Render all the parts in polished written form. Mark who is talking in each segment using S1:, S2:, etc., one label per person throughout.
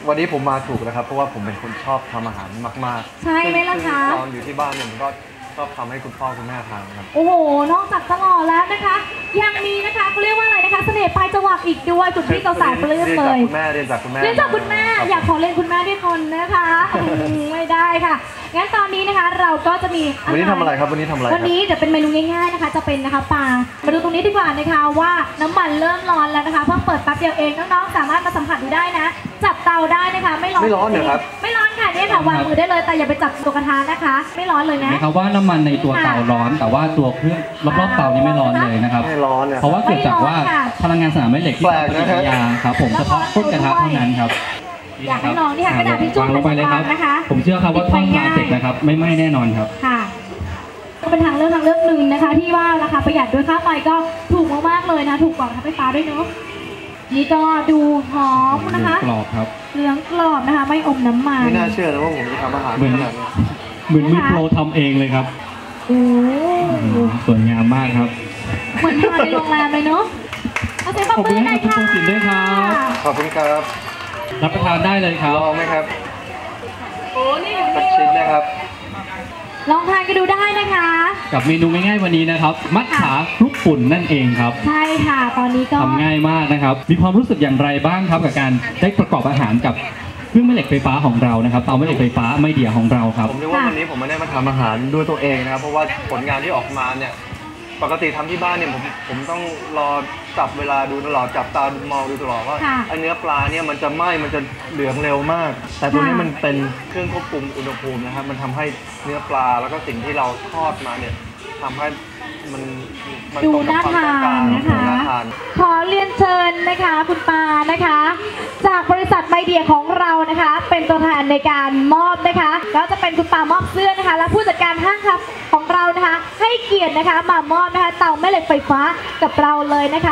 S1: วันนี้ผมมาถูกแล้วครับเพราะว่าผมเป็นคนชอบทำอาหารมากๆ
S2: ใช่ไหมล่ะคะ
S1: ตอนอยู่ที่บ้านเนี่ยผมก็ชอบทำให้คุณพ่อคุณแม่ทานครับ
S2: โอ้โหนอกจากตลอดแล้วนะคะยังมีนะคะเขาเรียกว่าอะไรนะคะเสน่ห์ปลายจวักอีกด้วยคุณพี่สาวๆปลื้มเลย
S1: เรียนจากคุณแม่
S2: อยากขอเรียนคุณแม่ด้วยคนนะคะไม่ได้ค่ะงั้นตอนนี้นะคะเราก็จะมี
S1: วันนี้ทำอะไรครับวันนี้ทำอะไร
S2: วันนี้เดี๋ยวเป็นเมนูง่ายๆนะคะจะเป็นนะคะปลามาดูตรงนี้ดีกว่านะคะว่าน้ำมันเริ่มร้อนแล้วนะคะเพิ่งเปิดแป๊บเดียวเองน้องๆสามารถมาสัมผัสดูได้นะจับเตาได้นะคะไม่ร้อน
S1: เหรอครับ
S2: ไม่ร้อนค่ะเนี่ยค่ะวางมือได้เลยแต่อย่าไปจับตัวกระทะนะคะไม่ร้อนเลยนะ
S3: นะครับว่าน้ำมันในตัวเตาร้อนแต่ว่าตัวเครื่องรอบๆเตานี่ไม่ร้อนเลยนะครับ
S1: ไม่ร้อน
S3: เพราะว่าเกิดจากว่าพลังงานสนามแม่เหล็กที่ทำปฏิกิริยาครับผมเฉพาะก้นกระทะเท่านั้นครับ
S2: อยากให้ลองนี่ค่ะกระดาษทิชชู่
S3: ลงไปเลยครับผมเชื่อครับว่าทอดปลาเสร็จนะครับไม่ไหม้แน่นอนครับ
S2: ค่ะก็เป็นทางเลือกหนึ่งนะคะที่ว่าราคาประหยัดด้วยค่าไฟก็ถูกมากๆเลยนะถูกกว่าค่าไฟฟ้าด้วยเนาะนี่ก็ดูหอมนะคะ
S3: กรอบครับ
S2: เหลืองกรอบนะคะไม่อมน้ำมัน
S1: ไม่น่าเชื่อนะว่าผมจะทำอาหารเหมือน
S3: มือโปรทำเองเลยครับ
S2: โอ้
S3: สวยงามมากครับ
S2: เหมือนทานในโรงแรมเลยเนาะเอาเสียงปรบมือหน่อยค่ะ
S3: ขอบคุณด้วยครับ
S1: ขอบคุณครับ
S3: รับประทานได้เลยครับ
S1: ลองไหมครับ
S2: โอ้นี่
S1: สักชิ้นนะครับ
S2: ลองทานกันดูได้นะคะ
S3: กับเมนูง่ายๆวันนี้นะครับมัทฉาคลุกฝุ่นนั่นเองครับ
S2: ใช่ค่ะตอนนี้ก็
S3: ทำง่ายมากนะครับมีความรู้สึกอย่างไรบ้างครับกับการได้ประกอบอาหารกับเครื่องแม่เหล็กไฟฟ้าของเรานะครับเตาแม่เหล็กไฟฟ้าไมเดียของเราครับ
S1: ผมเรียกว่าวันนี้ผมไม่ได้มาทำอาหารด้วยตัวเองนะครับเพราะว่าผลงานที่ออกมาเนี่ยปกติทำที่บ้านเนี่ยผมต้องรอจับเวลาดูตลอดจับตามองดูตลอดว่าไอเนื้อปลาเนี่ยมันจะไหม้มันจะเหลืองเร็วมากแต่ตัวนี้มันเป็นเครื่องควบคุมอุณหภูมินะครับมันทำให้เนื้อปลาแล้วก็สิ่งที่เราทอดมาเนี่ยทำให้มัน
S2: ดูน่าทานนะคะขอเรียนเชิญนะคะคุณปานะคะจากบริษัทไมเดียของเรานะคะเป็นตัวแทนในการมอบนะคะก็จะเป็นคุณปามอบเสื้อนะคะและผู้จัดการห้างครับของเรานะคะให้เกียรตินะคะมามอบนะคะเตาแม่เหล็กไฟฟ้ากับเราเลยนะคะ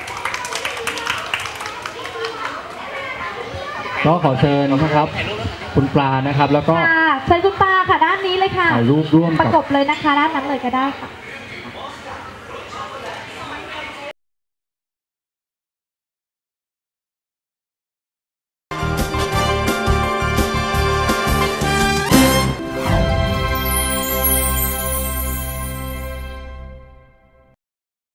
S3: ก็ขอเชิญนะครับคุณปลานะครับแล้วก็
S2: เชิญคุณปาค่ะด้านนี้เลยค่ะ
S3: ถ่ายรูปร่วม
S2: ประกบเลยนะคะด้านนั้นเลยก็ได้ค่ะ